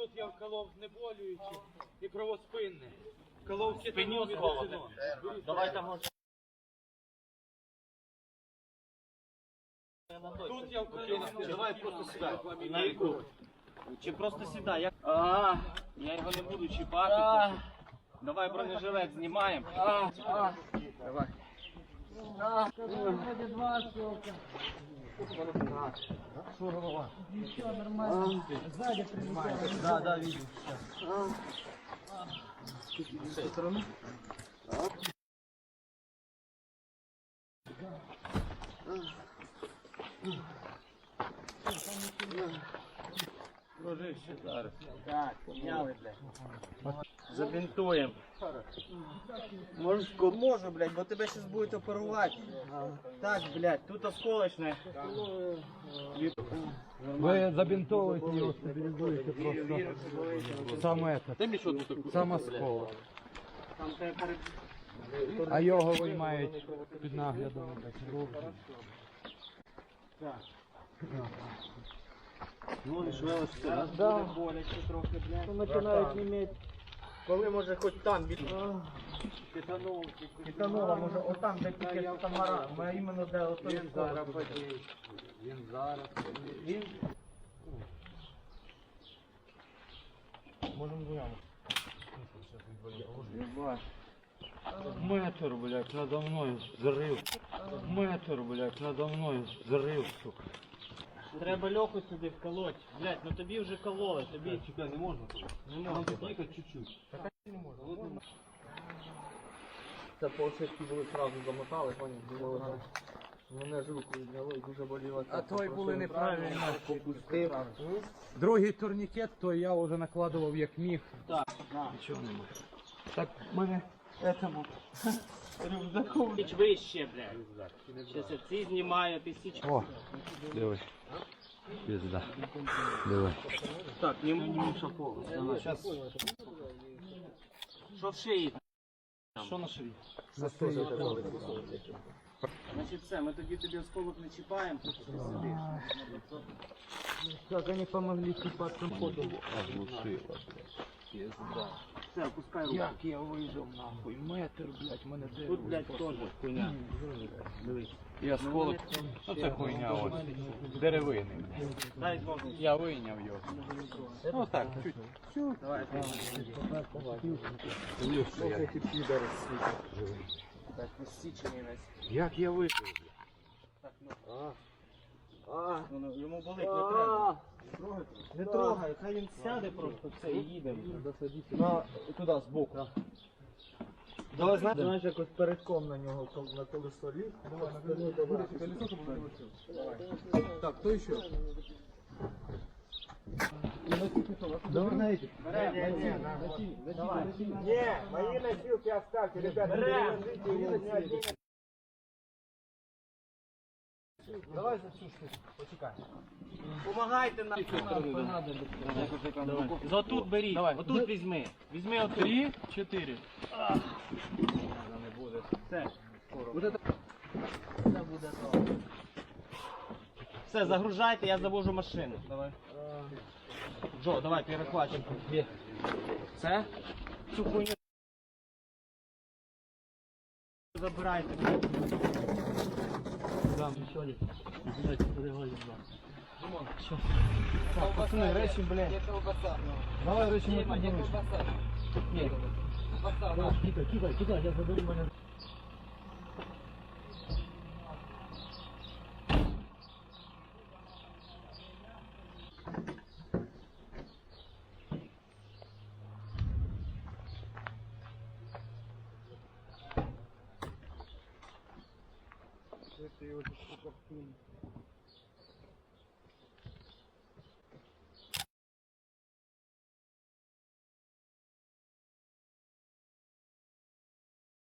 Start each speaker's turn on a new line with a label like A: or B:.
A: Тут я вколов знеболюючи і кровоспинне. Вколов
B: Спиню сколоти. Давай там може.
A: Тут я вколов.
B: Давай просто сідай. На яку? Чи просто сідай? Я його не буду чіпати. Давай бронежилет знімаємо. Давай.
C: Что голова? Ничего, нормально. Сзади прилетает.
B: Да, видим.
C: С этой стороны?
B: Дружище зараз. Так, підняли, блядь. Забінтуємо. Можу, блядь, бо тебе зараз будуть оперувати. Так, блядь, тут осколочне.
C: Вы забинтовываете его, стабилизуете просто сам осколок. А його виймають під наглядом.
B: Ну, і швелочка.
C: Да.
B: Боляче трохи, блядь.
C: Починають іметь.
B: Коли може хоч там від...
C: Титанула, може, отам, де тільки тамара. Ми іменно де ото
A: Він зараз подіє. Він зараз. Він...
C: Можемо двоями.
A: Метр, блядь, надо мною зрив. Метр, блядь, надо мною зрив, сука.
B: Треба Льоху сюди вколоть. Блядь, ну тобі вже кололи, тобі...
A: Чекай, не можна тут?
B: Не можна.
A: Тільки чуть-чуть.
C: Це полшишки були одразу замотали, поняв, думали, мене ж руку відняли і дуже боліло. А той були неправильно, попустив. Другий турнікет, то я вже накладував як міг.
B: Так,
C: Нічого немає. Так, в мене этому рюкзаку.
B: Січ вище, блядь. Щас я ці знімаю, ти січ.
C: О, диви. Пізда. Диви.
B: Так, не муша повністю. Щас. Що в шиї?
A: Що на шиї?
B: Значить все, ми тоді тобі осколок не чіпаємо, тут ти сидиш.
C: Как они помогли кипаться ходом.
B: Все, опускай руку.
C: Як я вижив нахуй, метр, блядь, мене де.
B: Тут, блядь, теж хуйня. Дивись.
A: І осколок. Ну це хуйня ось. Деревини.
B: Дай ножку.
A: Я вийняв його. Ну так, чуть.
B: Давай, ти. Так, посічений весь.
A: Як я вийшов?
B: Так, ну. Йому болить, не треба. Не трогай, хай він сяде просто це і їдемо.
C: Туди, збоку.
B: Давай,
C: Знаєш, якось передком на нього, на колесо ліг. Так, хто ще? Давай на этих.
B: Не, мои носилки оставьте, ребята, переложите его.
C: Давай за цю штуку, почекай.
B: Помагайте нам. Отут беріть, отут візьми. Візьми отут.
A: 3, 4.
B: Все. Все, загружайте, я завожу машину. Давай. Джо, давай перехватимо. Все? Цю хуйню забирайте.
C: Так, пацаны, речи, блядь. Давай речи не поднимешь. Нет. Кидай, я заберу меня. Это его